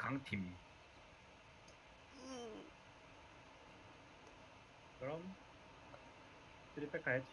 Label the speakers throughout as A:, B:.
A: 강팀.
B: 음,
C: 그럼 3백 가야지.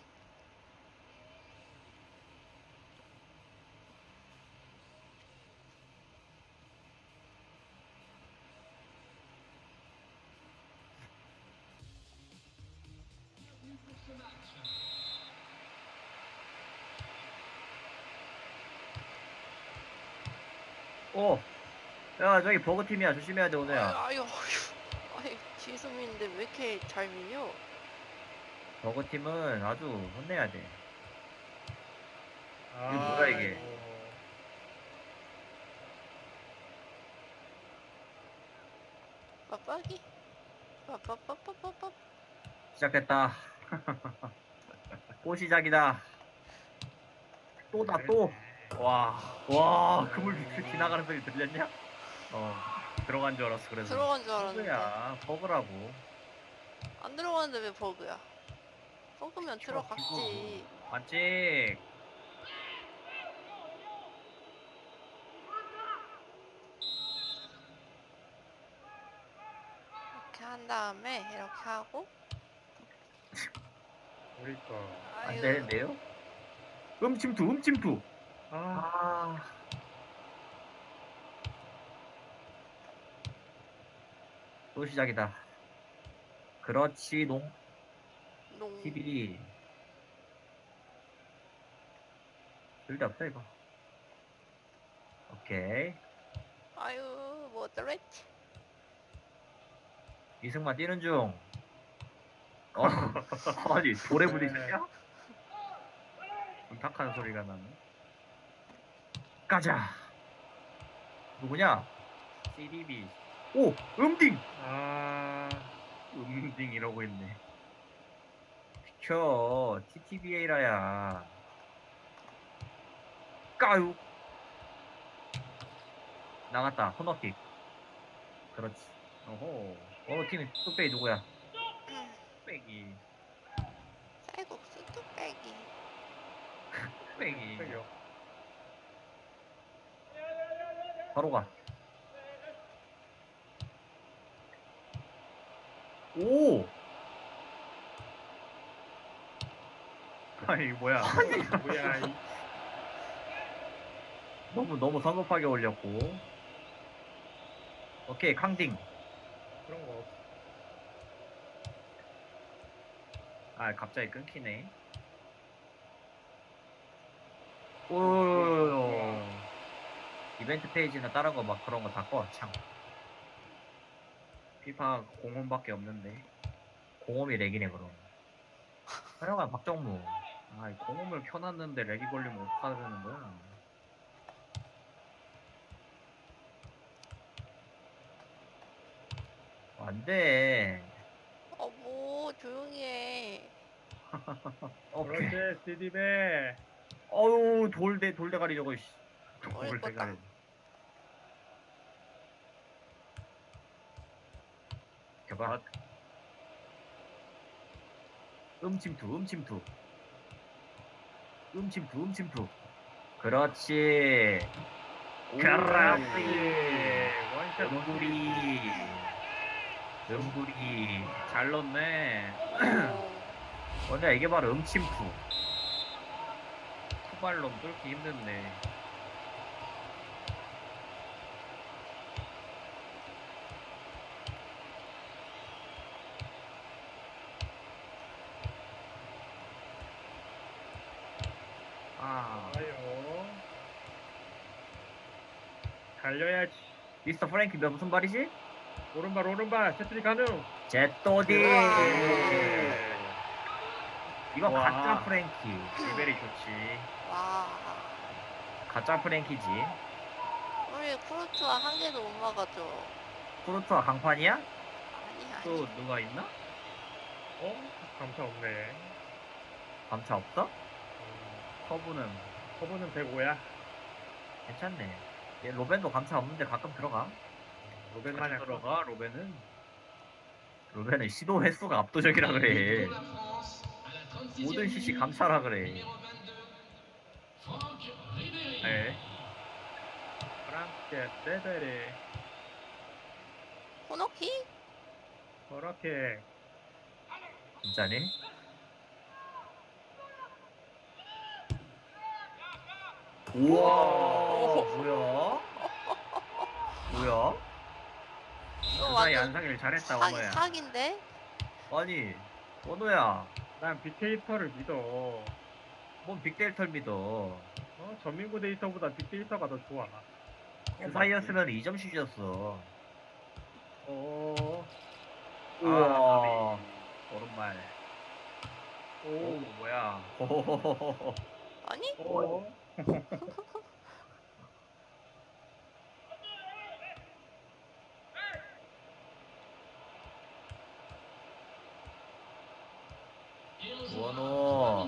A: 야, 저기 버그팀이야. 조심해야 돼, 오늘야.
B: 아유, 지수민인데 왜 이렇게 잘 밀려?
A: 버그팀은 아주 혼내야 돼.
C: 아,
A: 이게 뭐야, 이게?
B: 빠빠기? 빠빠빠빠빠빠.
A: 시작됐다. 또 시작이다. 또다, 또. 와, 그물 지나가는 소리 들렸냐? 들어간 줄 알았어, 그래서.
B: 들어간 줄 알았는데.
A: 버그야, 버그라고.
B: 안 들어갔는데 왜 버그야? 버그면 들어갔지.
A: 맞지?
B: 이렇게 한 다음에 이렇게 하고.
C: 그러니까.
A: 안
B: 아유,
A: 되는데요? 음침투.
C: 아,
A: 아. 또 시작이다. 그렇지, 농.
B: 농.
A: TV. 둘다 없다, 이거. 오케이.
B: 아유, 뭐 어쩌랬지?
A: 이승만 뛰는 중. 아니, 돌에 부딪혔냐? 탁하는 소리가 나네. 가자. 누구냐? CDB. 오! 음딩!
C: 아,
A: 음딩 이러고 있네. 비켜. TTBA라야. 까유. 나갔다. 코너킥. 그렇지. 어호. 팀이 뚝배기 누구야? 뚝배기.
B: 쌀국수 뚝배기.
A: 뚝배기.
C: 팩이요.
A: 바로 가. 오! 아니, 뭐야.
C: 뭐야, 이.
A: 너무 성급하게 올렸고. 오케이,康딩.
C: 그런 거 없어.
A: 아, 갑자기 끊기네. 오. 이벤트 페이지나 다른 거 막 그런 거 다 꺼, 참. 피파 공홈밖에 없는데. 공홈이 렉이네, 그럼. 하여간 박정무. 아, 이 공홈을 켜놨는데 렉이 걸리면 어떡하자는 거야. 안 돼.
B: 뭐 조용히 해.
A: 오케이.
C: 그렇지, CD배.
A: 어우, 돌대가리 저거, 씨.
B: 어릴 거다.
A: 돌대가리. 켜봐. 음침투. 그렇지. 그렇지.
C: 원샷.
A: 음구리. 잘 넣네.
B: 오,
A: 원래 이게 바로 음침투. 투발로 뚫기 힘든데. 아,
C: 아유. 달려야지.
A: 미스터 프랭키 너 무슨 말이지?
C: 오른발, 채트리 가능.
A: 제또디. 이거
C: 와.
A: 가짜 프랭키. 레벨이 좋지.
B: 와.
A: 가짜 프랭키지.
B: 우리 쿠르트와 한 개도 못 막아줘.
A: 프로토와 강판이야?
B: 아니.
A: 또 누가 있나?
C: 감차 없네.
A: 감차 없어? 커브는
C: 커브는 105야.
A: 괜찮네. 얘 로벤도 감차 없는데 가끔 들어가.
C: 로벤만
A: 자주
C: 약간.
A: 들어가 로벤은. 로벤은 시도 횟수가 압도적이라 그래. 모든 CC 감차라 그래. 에?
C: 프랑스의 세베리.
B: 코너킥?
C: 그렇게.
A: 진짜니? 우와, 뭐야? 뭐야?
B: 이거
A: 그 사이
B: 완전
A: 안상일 잘했다, 원호야.
B: 사기인데?
A: 아니, 원호야,
C: 난 빅데이터를 믿어.
A: 뭔 빅데이터를 믿어.
C: 전민구 데이터보다 빅데이터가 더 좋아.
A: 그 사이였으면 2점 슛이었어.
C: 어.
A: 우와, 오른발.
C: 오.
A: 오, 뭐야? 호호호호호.
B: 아니?
C: 어.
A: 원호.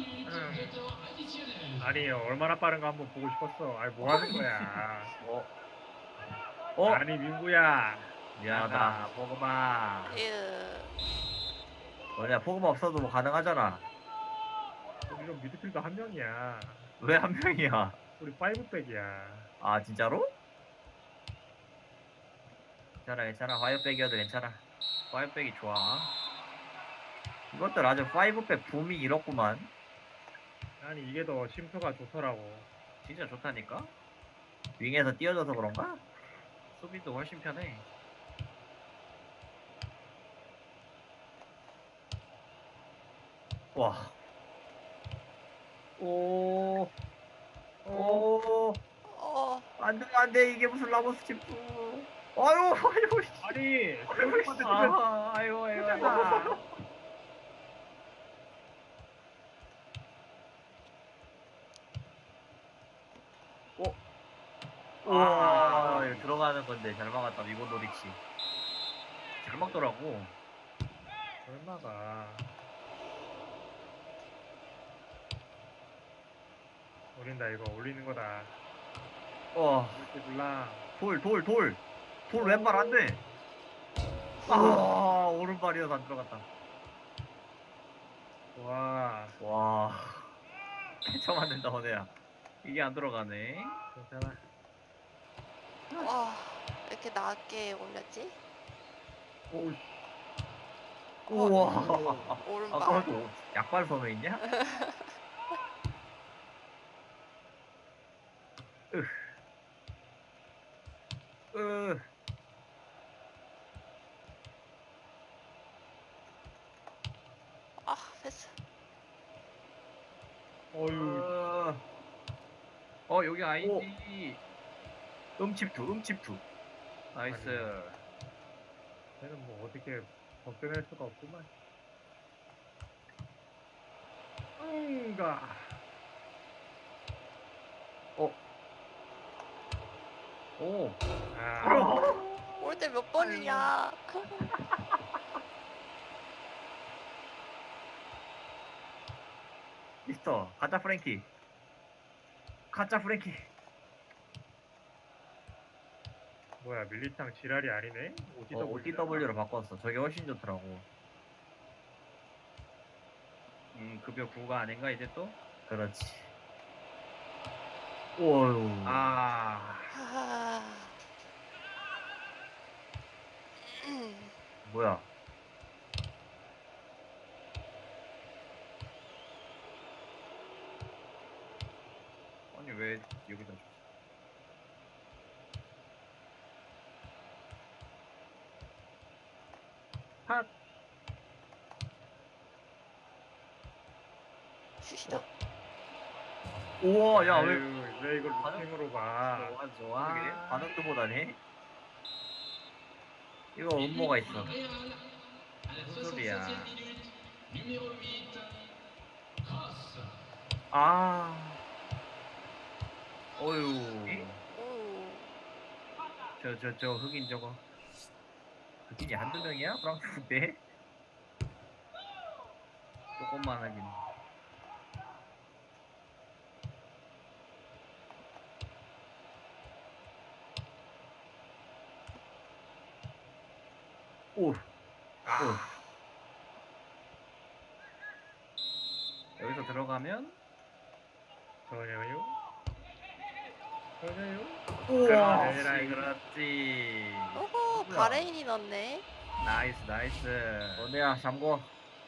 C: 아니 얼마나 빠른가 한번 보고 싶었어. 아니 뭐 하는 거야?
A: 어?
C: 아니 민구야.
A: 미안하다, 포그마.
B: 으,
A: 뭐냐, 포그마 없어도 뭐 가능하잖아.
C: 우리는 미드필더 한 명이야.
A: 왜 한 명이야?
C: 우리 파이브백이야.
A: 아, 진짜로? 괜찮아, 괜찮아. 화이어백이어도 괜찮아. 화이어백이 좋아. 이것들 아주 파이브백 붐이 이렇구만.
C: 아니 이게 더 심표가 좋더라고.
A: 진짜 좋다니까? 윙에서 뛰어져서 그런가? 수비도 훨씬 편해. 와. 오. 오.
B: 어,
A: 안 돼, 안 돼. 이게 무슨 라모스 침투. 아유, 아유. 씨.
C: 아니
A: 아유, 아유, 아유.
C: 아.
A: 와, 이거 들어가는 건데 잘 막았다. 미고 노리치. 잘 막더라고.
C: 얼마가 올린다 이거 올리는 거다.
A: 와,
C: 이렇게 눌라.
A: 돌 왼발 안 돼. 아, 오른발이어서 안 들어갔다.
C: 와
A: 와, 처음 맞는다, 오네야. 이게 안 들어가네.
C: 괜찮아.
B: 와, 왜 이렇게 낮게 올렸지?
C: 오우씨.
A: 우와.
B: 오른발.
A: 아까도 약발 선호 있냐? 으.
B: 아, 패스.
C: 어유.
A: 여기 아니지. 음칩투. 나이스.
C: 얘는 뭐 어떻게 벗겨낼 수가 없구만. 응가.
A: 오.
C: 아.
B: 올 때 몇 번이냐?
A: 미스터 가짜 프랭키.
C: 뭐야 밀리탕 지랄이 아니네.
A: OTW로 바꿨어. 저게 훨씬 좋더라고. 급여 9가 아닌가 이제 또? 그렇지. 오유.
C: 아.
B: 하하.
A: 뭐야? 아니 왜 여기다 줬어?
C: 핫.
B: 슛이다.
A: 우와, 야, 왜?
C: 아유, 왜 이걸 루팅으로 봐?
A: 좋아. 그게 반응도 보다니? 이거 음모가 있어. 무슨 소리야? 아. 어유.
B: 오,
A: 저 흑인 저거. 흑인이 한두 명이야? 프랑스인데? 조금만 하긴. 오. 여기서 들어가면
C: 전혀요? 전혀요?
A: 우와,
C: 그렇지.
A: 그렇지.
B: 오호,
A: 뭐야?
B: 바레인이 넣네.
A: 나이스 나이스. 언호야 잠궈.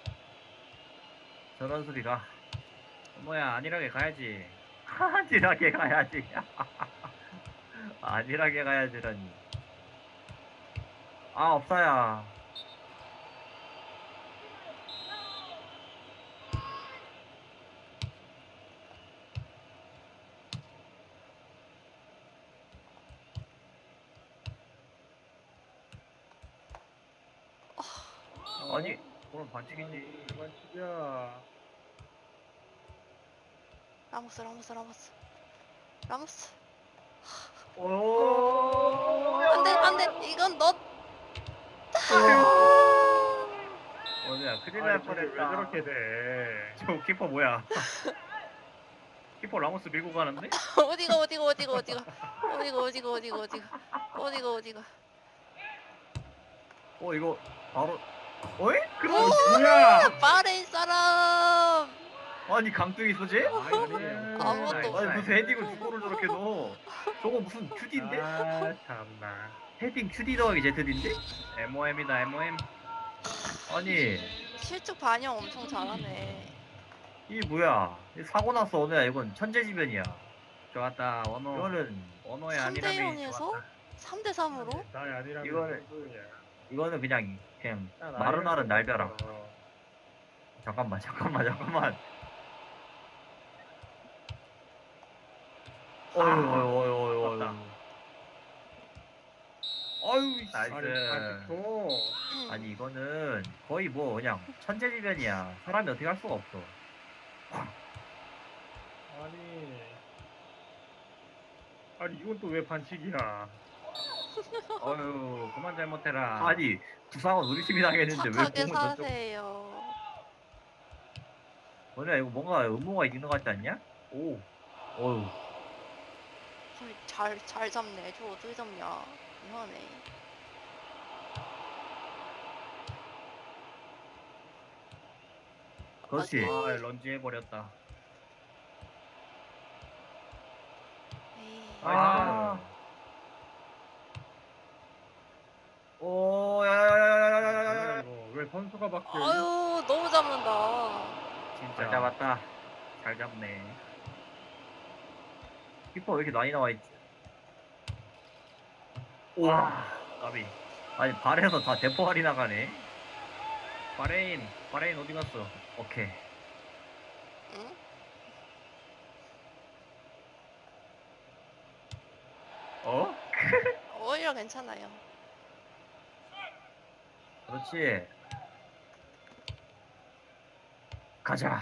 A: 저런 소리가. 언호야 안일하게 가야지. 안일하게 가야지. 안일하게 가야지라니. 아 없어야. 아니 그럼 반칙이지.
C: 반칙이야.
B: 라모스 라모스 라모스 라모스.
A: 오.
B: 안돼 안돼 이건 너.
A: 언호야 큰일
C: 아니,
A: 날
C: 저게 왜
A: 뻔했다.
C: 저렇게 돼?
A: 저 키퍼 뭐야? 키퍼 라모스 밀고 가는데?
B: 어디가 어디가 어디가 어디가 어디가 어디가 어디가 어디가 어디가 어디가.
A: 이거 바로. 어이? 그럼
C: 뭐야?
B: 바레인 사람.
A: 아니 강등이 있어지?
B: 아무것도
A: 아니 무슨 헤딩을 주고를 저렇게 넣어? 저거 무슨 큐디인데?
C: 아 참나.
A: 헤딩 큐디 더하기 제트디인데? MOM이다 MOM. 아니
B: 실축 반영 엄청 잘하네.
A: 이 뭐야? 이 사고 났어 언호야. 이건 천재지변이야. 좋았다 원호. 이거는 원호의
B: 3대
A: 안일함이
B: 0에서
A: 좋았다.
B: 3대 3으로.
C: 나의 아니라면
A: 이거는-
C: 누구야?
A: 이거는 그냥
C: 나
A: 마루나른 날벼락.
C: 없어.
A: 잠깐만. 어휴. 아유
C: 아니
A: 나이스.
C: 반칙도.
A: 아니 이거는 거의 뭐 그냥 천재지변이야. 사람이 어떻게 할 수가 없어.
C: 아니 이건 또 왜 반칙이야?
A: 어휴 그만 잘못해라. 아니 부상은 우리 팀이 당했는데 왜
B: 착하게
A: 공을 저쪽.
B: 사세요.
A: 뭐냐 이거 뭔가 음모가 있는 것 같지 않냐? 오. 어휴.
B: 잘 잡네. 저 어떻게 잡냐. 이상하네.
A: 그렇지. 아 런지 해버렸다.
B: 에이.
A: 아. 오 야야야야야야야야.
C: 이거 왜 선수가 바뀌어?
B: 아유 너무 잡는다.
C: 진짜.
A: 잘 잡았다. 잘 잡네. 키퍼 왜 이렇게 많이 나와 있지? 우와. 까비. 아니 발에서 다 대포알이 나가네. 바레인 어디 갔어? 오케이.
B: 응?
A: 어?
B: 오히려 괜찮아요.
A: 그렇지. 가자.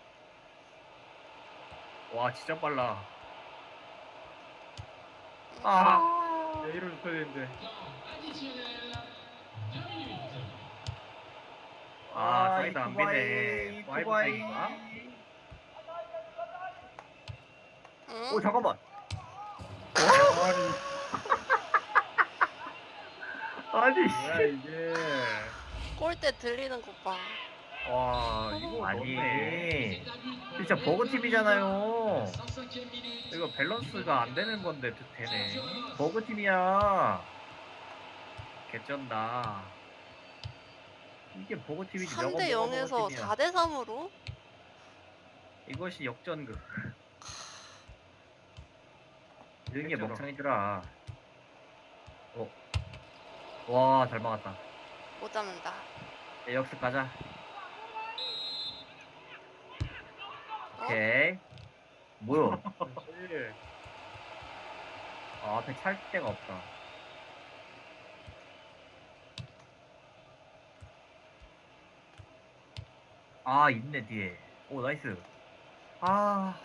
A: 와 진짜 빨라. 아.
C: 내 이름 줘야 되는데.
A: 아 사이드 안 비네.
C: 쿠바이.
A: 파이브 백인가?
B: 응?
A: 오 잠깐만. 아니.
C: 뭐야 이게?
B: 골대 들리는 것 봐.
A: 와 이거 아니 진짜 버그 팀이잖아요. 이거 밸런스가 안 되는 건데 되네. 버그 팀이야. 개쩐다. 이게 버그 팀이지.
B: 3대 0에서 4대 3으로?
A: 이것이 역전극. 이런 게
C: 개쩔어.
A: 먹창이더라. 와 잘 막았다.
B: 못 잡는다.
A: 역습 가자.
B: 어?
A: 오케이. 뭐야?
C: 그렇지.
A: 아, 앞에 찰 데가 없다. 아, 있네 뒤에. 오, 나이스. 아,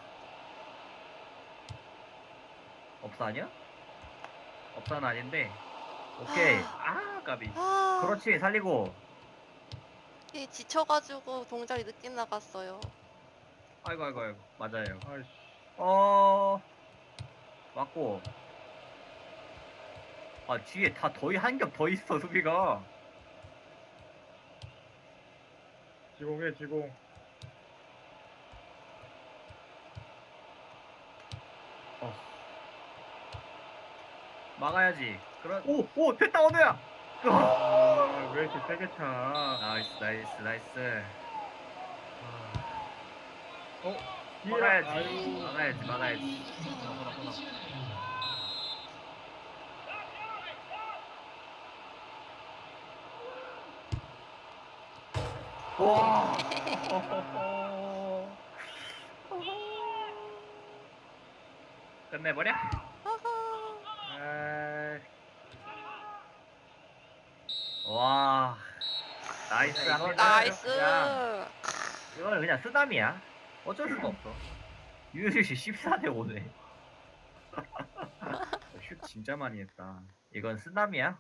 A: 업사 아니야? 업사는 아닌데. 오케이. 아, 까비.
B: 아,
A: 그렇지, 살리고.
B: 이 지쳐가지고 동작이 늦게 나갔어요.
A: 아이고. 맞아요.
C: 아이씨.
A: 맞고. 아, 뒤에 다 한 겹 더 있어, 수비가.
C: 지공해 지공.
A: 막아야지. 오, 됐다, 언호야.
C: 왜 이렇게 세게 차?
A: 나이스 나이스 나이스.
C: 뒤에라.
A: 막아야지
C: 아유.
A: 막아야지 막아야지. 보나 보나. 와. 끝내버려.
B: 아하.
A: 와. 나이스 한번
B: 나이스.
A: 이거는 그냥 쓰담이야. 어쩔 수가 없어. 유효시 14대 5네. 슛 진짜 많이 했다. 이건 쓰담이야.